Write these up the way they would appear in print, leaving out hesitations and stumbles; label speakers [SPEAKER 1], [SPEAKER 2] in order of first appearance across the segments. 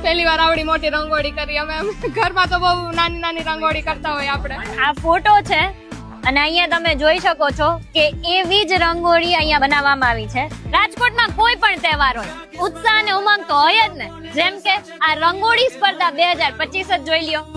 [SPEAKER 1] પહેલી વાર આવડી મોટી રંગોળી કરી અમે ઘરમાં તો બહુ નાની નાની રંગોળી કરતા હોય આપણે.
[SPEAKER 2] આ ફોટો છે અને અહીંયા તમે જોઈ શકો છો કે એવી જ રંગોળી અહીંયા બનાવવામાં આવી છે. રાજકોટમાં કોઈ પણ તહેવાર હોય ઉત્સાહ અને ઉમંગ તો હોય જ ને. જેમ કે આ રંગોળી સ્પર્ધા 2025 જ જોઈ લ્યો.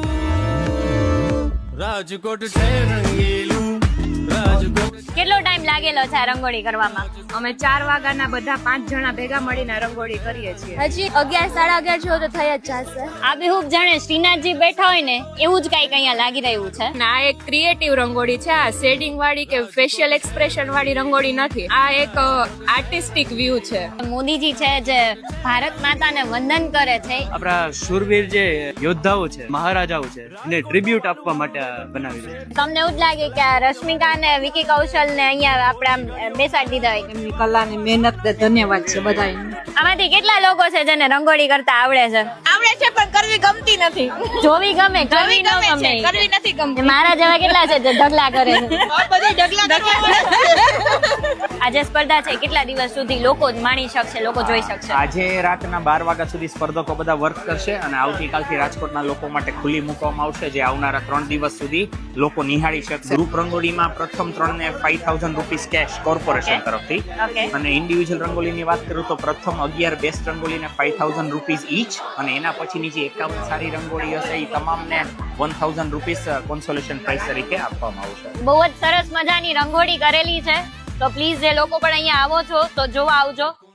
[SPEAKER 3] રાજકોટ છે રંગીલું રાજકોટ.
[SPEAKER 2] કેટલો ટાઈમ લાગેલો છે આ રંગોળી કરવામાં?
[SPEAKER 1] અમે 4 વાગ્યાના બધા 5 જણા ભેગા મળીને રંગોળી કરીએ છીએ.
[SPEAKER 4] હજી 11 સાડા 11 જેવો તો થઈ જ જશે.
[SPEAKER 2] આ બેહુબ જાણે શ્રીનાથજી બેઠા હોય ને એવું જ કઈક અહીંયા લાગી રહ્યું છે.
[SPEAKER 1] આ એક ક્રિએટિવ રંગોળી છે. આ શેડિંગ વાળી કે ફેશિયલ એક્સપ્રેશન વાળી રંગોળી નથી. આ એક આર્ટિસ્ટિક વ્યૂ છે.
[SPEAKER 2] મોદીજી છે જે ભારત માતાને વંદન કરે છે.
[SPEAKER 5] આપણા શૂરવીર જે યોદ્ધાઓ છે, મહારાજાઓ છે, એને ટ્રિબ્યુટ આપવા માટે બનાવી છે.
[SPEAKER 2] તમને એવું જ લાગે કે આ રશ્મિકા અને વિકી કૌશલ ને અહીંયા આપણે બેસાડી દીધા હોય?
[SPEAKER 1] એમની કલા ને મહેનત ને ધન્યવાદ છે બધાને.
[SPEAKER 2] આમાંથી કેટલા લોકો છે જેને રંગોળી કરતા આવડે છે?
[SPEAKER 1] આવડે છે પણ કરવી ગમતી નથી.
[SPEAKER 2] જોવી ગમે, કરવી ન ગમે.
[SPEAKER 1] કરવી નથી ગમતી.
[SPEAKER 2] મારા જેવા કેટલા છે જે ઢગલા કરે છે?
[SPEAKER 1] બધી ઢગલા
[SPEAKER 2] આજે સ્પર્ધા છે, કેટલા દિવસ સુધી લોકો માણી શકશે, લોકો જોઈ શકશે?
[SPEAKER 6] આજે રાતના 12 વાગ્યા સુધી સ્પર્ધકો બધા વર્ક કરશે અને આવતીકાલથી રાજકોટના લોકો માટે ખુલ્લી મૂકવામાં આવશે, જે આવનારા 3 દિવસ સુધી લોકો નિહાળી શકશે. ગ્રુપ રંગોળીમાં પ્રથમ 3 ને 5000 રૂપીસ કેશ કોર્પોરેશન તરફથી, અને ઇન્ડિવિજ્યુઅલ રંગોળીની વાત કરું તો પ્રથમ 11 બેસ્ટ રંગોળીને 5000 રૂપીસ ઈચ, અને એના પછીની જે 51 સારી રંગોળી હશે એ તમામને 1000 રૂપીસ કોન્સોલેશન પ્રાઇસ તરીકે આપવામાં આવશે.
[SPEAKER 2] બહુ જ સરસ મજાની રંગોળી કરેલી છે. તો પ્લીઝ જે લોકો પણ અહીંયા આવો છો તો જોવા આવજો.